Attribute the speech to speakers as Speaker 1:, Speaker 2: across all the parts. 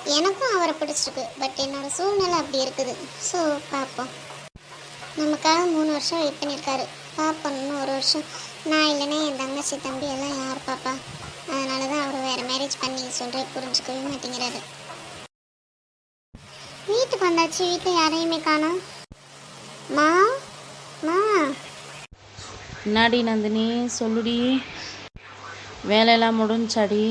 Speaker 1: எனக்கும் அவரை பிடிச்சிருக்கு, பட் என்னோட சூழ்நிலை அப்படி இருக்குது. ஸோ பார்ப்போம். நமக்காக 3 வருஷம் வெயிட் பண்ணியிருக்காரு. பார்ப்போம், இன்னும் 1 வருஷம். நான் இல்லைன்னா என் தங்கச்சி தம்பி எல்லாம் யார் பாப்பா? அதனால தான் அவர் வேறு மேரேஜ் பண்ணி சொல்கிறேன், புரிஞ்சுக்கவே மாட்டேங்கிறாரு. வீட்டுக்கு வந்தாச்சு, வீட்டில் யாரையுமே காணோம். மா மா
Speaker 2: என்னாடி நந்தினி, சொல்லுடி. வேலையெல்லாம் முடிஞ்சாடி?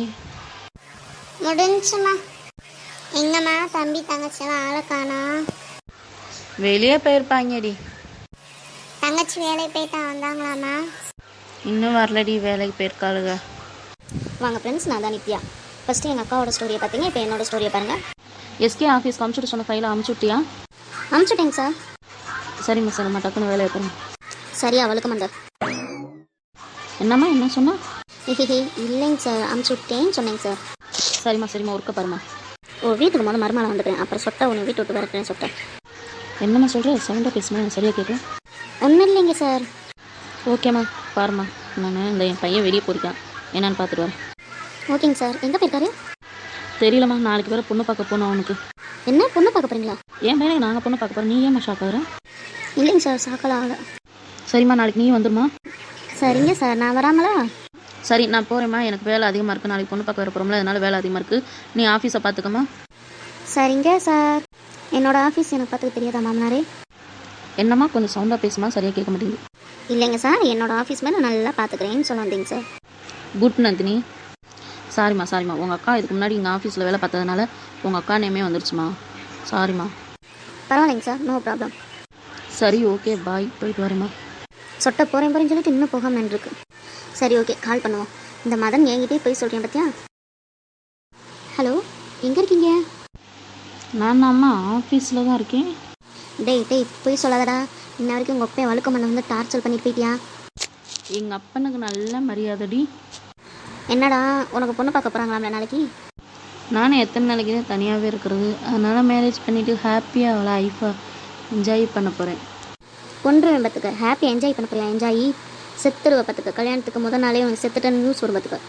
Speaker 1: முடிஞ்சுமா. எங்கம்மா தம்பி தங்கச்சியெல்லாம் ஆளை காணோம்?
Speaker 2: வெளியே போயிருப்பாங்கடி.
Speaker 1: தங்கச்சி வேலைக்கு போயிட்டா வந்தாங்களாம்மா?
Speaker 2: இன்னும் வரலடி, வேலைக்கு போயிருக்காளுங்க.
Speaker 3: வாங்க ஃப்ரெண்ட்ஸ், நான் தான் நித்யா. ஃபஸ்ட்டு எங்கள் அக்காவோட ஸ்டோரியை பார்த்தீங்க, இப்போ என்னோட ஸ்டோரியை பாருங்கள்.
Speaker 2: எஸ்கே ஆஃபீஸ்க்கு அமுச்சுட்டு சொன்ன ஃபைலை அமுச்சுட்டியா?
Speaker 3: அனுப்பிச்சுட்டேங்க சார்.
Speaker 2: சரிம்மா சரிம்மா, டக்குன்னு வேலையை பாருங்க.
Speaker 3: சரி, அவளுக்கு மந்தர்.
Speaker 2: என்னம்மா என்ன சொன்னா?
Speaker 3: இல்லைங்க சார், அனுப்பிச்சுட்டேன்னு சொன்னேங்க சார்.
Speaker 2: சரிம்மா சரிம்மா, ஒர்க்க பாருமா.
Speaker 3: ஓ, வீட்டுக்கு முதல்ல மருமலை வந்துட்டேன், அப்புறம் சொட்டை ஒன்று வீட்டு விட்டு வரட்டேன்னு சொட்டேன்.
Speaker 2: என்னம்மா சொல்கிற? சவுண்டாக பேசுமா, எனக்கு சரியாக கேட்கும்.
Speaker 3: ஒன்றும் இல்லைங்க சார்.
Speaker 2: ஓகேம்மா பாரும்மா, நான் இந்த என் பையன் வெளியே போயிருக்கான், என்னன்னு பார்த்துட்டு வரேன்.
Speaker 3: ஓகேங்க சார். எங்கே போயிருக்காரு?
Speaker 2: தெரியலம்மா, நாளைக்கு வேறு பொண்ணு பார்க்க போகணும் அவனுக்கு.
Speaker 3: என்ன பொண்ணு பார்க்க போகிறீங்களா?
Speaker 2: என் பையனுக்கு நாங்கள் பொண்ணு பார்க்க போகிறோம், நீ ஏம்மா ஷாக் ஆகுற?
Speaker 3: இல்லைங்க சார், சாக்கலாம் ஆகலை.
Speaker 2: சரிம்மா, நாளைக்கு நீ வந்துடுமா?
Speaker 3: சரிங்க சார், நான் வராமலா?
Speaker 2: சரி, நான் போகிறேம்மா, எனக்கு வேலை அதிகமாக இருக்குது, நாளைக்கு பொண்ணு பார்க்க வர போகிறோம்ல, அதனால வேலை அதிகமாக இருக்குது, நீ ஆஃபீஸை பார்த்துக்கம்மா.
Speaker 3: சரிங்க சார். என்னோடய ஆஃபீஸ் எனக்கு பார்த்துக்க தெரியாதா மாமனாரே?
Speaker 2: என்னம்மா கொஞ்சம் சவுண்டாக பேசுமா, சரியாக கேட்க மாட்டேங்குது.
Speaker 3: இல்லைங்க சார், என்னோடய ஆஃபீஸ் மேலே நல்லா பார்த்துக்கிறேன்னு சொல்ல வந்தீங்க சார்.
Speaker 2: குட் நந்தினி. சாரிம்மா சாரிம்மா, உங்கள் அக்கா இதுக்கு முன்னாடி எங்கள் ஆஃபீஸில் வேலை பார்த்ததுனால உங்கள் அக்கா நேமே வந்துருச்சுமா, சாரிம்மா.
Speaker 3: பரவாயில்லைங்க சார், நோ ப்ராப்ளம்.
Speaker 2: சரி ஓகே, பாய், போயிட்டு வரேம்மா.
Speaker 3: சொட்டை போகிறேன்னு சொல்லிட்டு இன்னும் போகாமல் இருக்கு. சரி ஓகே, கால் பண்ணுவோம். இந்த மதன் என்கிட்டே போய் சொல்கிறேன் பார்த்தியா? ஹலோ, எங்கே இருக்கீங்க?
Speaker 2: நான் அம்மா ஆஃபீஸில் தான் இருக்கேன்.
Speaker 3: டேய் போய் சொல்லாதடா. இன்ன வரைக்கும் உங்கள் அப்பையும் வழுக்க மண்ணை வந்து டார்ச்சர் பண்ணிட்டு போயிட்டியா?
Speaker 2: எங்கள் அப்பனுக்கு நல்ல மரியாதைடி.
Speaker 3: என்னடா, உனக்கு பொண்ணு பார்க்க போகிறாங்களாம்ல நாளைக்கு?
Speaker 2: நானும் எத்தனை நாளைக்கு தான் தனியாகவே இருக்கிறது, அதனால் மேரேஜ் பண்ணிவிட்டு ஹாப்பியாக அவளை லைஃப்பை என்ஜாய் பண்ண போகிறேன்.
Speaker 3: கொன்றுவேன் பார்த்துக்க. ஹாப்பியாக என்ஜாய் பண்ண போறியா? என்ஜாய் செத்துடுவ பார்த்துக்க. கல்யாணத்துக்கு முதல் நாளே உனக்கு செத்துட்டேன்னு நியூஸ் வரும் பார்த்துக்க.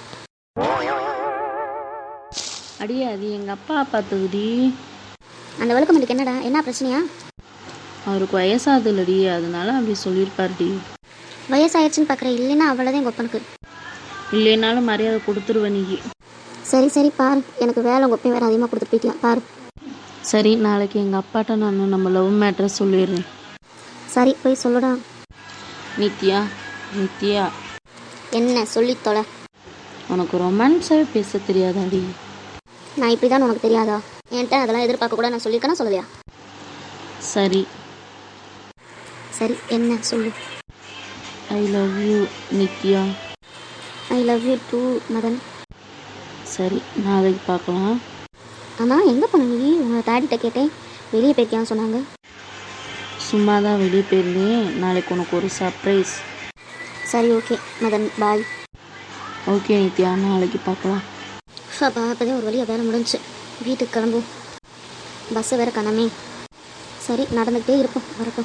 Speaker 2: அடியே, அது எங்கள் அப்பா பார்த்துக்குடி.
Speaker 3: அந்த வழுக்க மண்ணுக்கு என்னடா, என்ன பிரச்சனையா?
Speaker 2: அவருக்கு வயசாகுது இல்லடி, அதனால அப்படி சொல்லியிருப்பாருடி.
Speaker 3: வயசாயிடுச்சுன்னு பார்க்குறேன், இல்லைன்னா அவ்வளோதான் எங்கள் ஒப்பனுக்கு.
Speaker 2: இல்லைனாலும் மரியாதை கொடுத்துருவேன் நீ.
Speaker 3: சரி பாரு, எனக்கு வேலை உங்கள் ஒப்பையும் வேறு அதிகமாக கொடுத்துட்டு போயிட்டியா பாரு.
Speaker 2: சரி, நாளைக்கு எங்கள் அப்பாட்ட நான் நம்ம லவ் மேட்ரை சொல்லிடுறேன்.
Speaker 3: சரி போய் சொல்லுடா.
Speaker 2: நித்யா நித்யா,
Speaker 3: என்ன சொல்லி தொலை.
Speaker 2: உனக்கு ரொமான்ஸாகவே பேச தெரியாதாடி?
Speaker 3: நான் இப்படி தான் உனக்கு தெரியாதா? என்கிட்ட அதெல்லாம் எதிர்பார்க்க கூட நான் சொல்லியிருக்கேன்னா சொல்லலையா?
Speaker 2: சரி
Speaker 3: சரி, என்ன சொல்லு.
Speaker 2: I love you Nithya.
Speaker 3: I love you too Madhan.
Speaker 2: சரி, நாளைக்கு பார்க்கலாம்.
Speaker 3: ஆமாம், எங்கே போன நீ? உங்களை தாடிட்ட கேட்டேன், வெளியே போயிருக்கியான்னு சொன்னாங்க.
Speaker 2: சும்மா தான் வெளியே போயிருந்தேன், நாளைக்கு உனக்கு ஒரு சர்ப்ரைஸ்.
Speaker 3: சரி okay Madhan, bye.
Speaker 2: Okay Nithya, நாளைக்கு பார்க்கலாம்.
Speaker 3: அப்போ அப்போதான் ஒரு வழியாக வேலை முடிஞ்சு, வீட்டுக்கு கிளம்பும். பஸ்ஸை வேறு காணாமே. சரி, நடந்துக்கிட்டே இருப்போம், வரட்டும்.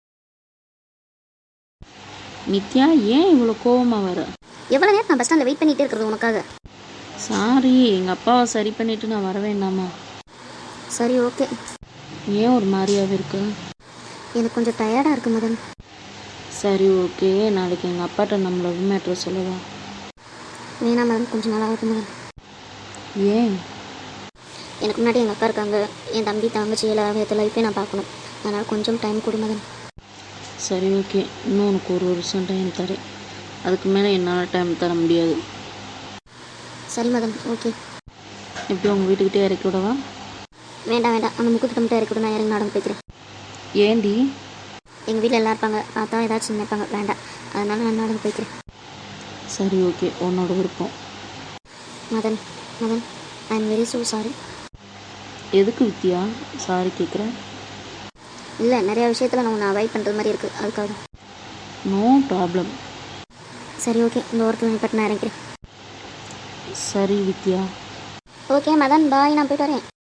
Speaker 2: நித்யா, ஏன் இவ்வளோ கோவமாக வர?
Speaker 3: எவ்வளோ நேரம் நான் பஸ் ஸ்டாண்டில் வெயிட் பண்ணிகிட்டே இருக்கிறது உனக்காக?
Speaker 2: சாரி, எங்கள் அப்பாவை சரி பண்ணிவிட்டு நான் வர வேண்டாமா?
Speaker 3: சரி ஓகே.
Speaker 2: ஏன் ஒரு மாதிரியாகவே இருக்கு?
Speaker 3: எனக்கு கொஞ்சம் டயர்டாக இருக்குது மதன்.
Speaker 2: சரி ஓகே, நாளைக்கு எங்கள் அப்பாட்ட நம்ம லவ் மேட்ரை சொல்லவா?
Speaker 3: வேணாம் மதன், கொஞ்சம் நாளாக இருக்கு மதன்.
Speaker 2: ஏன்?
Speaker 3: எனக்கு முன்னாடி எங்கள் அக்கா இருக்காங்க, என் தம்பி தங்கச்சி எல்லா லைஃப்பே நான் பார்க்கணும், அதனால் கொஞ்சம் டைம் கொடு மதன்.
Speaker 2: சரி ஓகே, இன்னும் உனக்கு 1 வருஷம் டைம் தரேன், அதுக்கு மேலே என்னால் டைம் தர முடியாது.
Speaker 3: சரி மதன், ஓகே.
Speaker 2: எப்படி உங்கள் வீட்டுக்கிட்டே இறக்கி விடவா?
Speaker 3: வேண்டாம் அந்த முக்குக்கிட்ட மட்டும் இறக்கி விட, நான் இறங்கி நடந்து போய்க்கிறேன்.
Speaker 2: ஏண்டி?
Speaker 3: எங்கள் வீட்டில் எல்லாம் இருப்பாங்க, பார்த்தா ஏதாச்சும் நினைப்பாங்க, வேண்டாம், அதனால நான் நடந்து போய்க்கிறேன்.
Speaker 2: சரி ஓகே, உன்னோட விருப்பம்.
Speaker 3: Madhan I am very so sorry.
Speaker 2: எதுக்கு வித்யா சாரி கேட்குறேன்?
Speaker 3: இல்லை, நிறையா விஷயத்தில் நான் உன்னை அவாய்ட் பண்ணுறது மாதிரி இருக்குது, அதுக்காக.
Speaker 2: No problem.
Speaker 3: சரி ஓகே, இந்த ஓரத்தில் நீ பட்டு நான் இறங்கிறேன்.
Speaker 2: சரி வித்யா.
Speaker 3: ஓகே மதன், பாய், நான் போய்ட்டு வரேன்.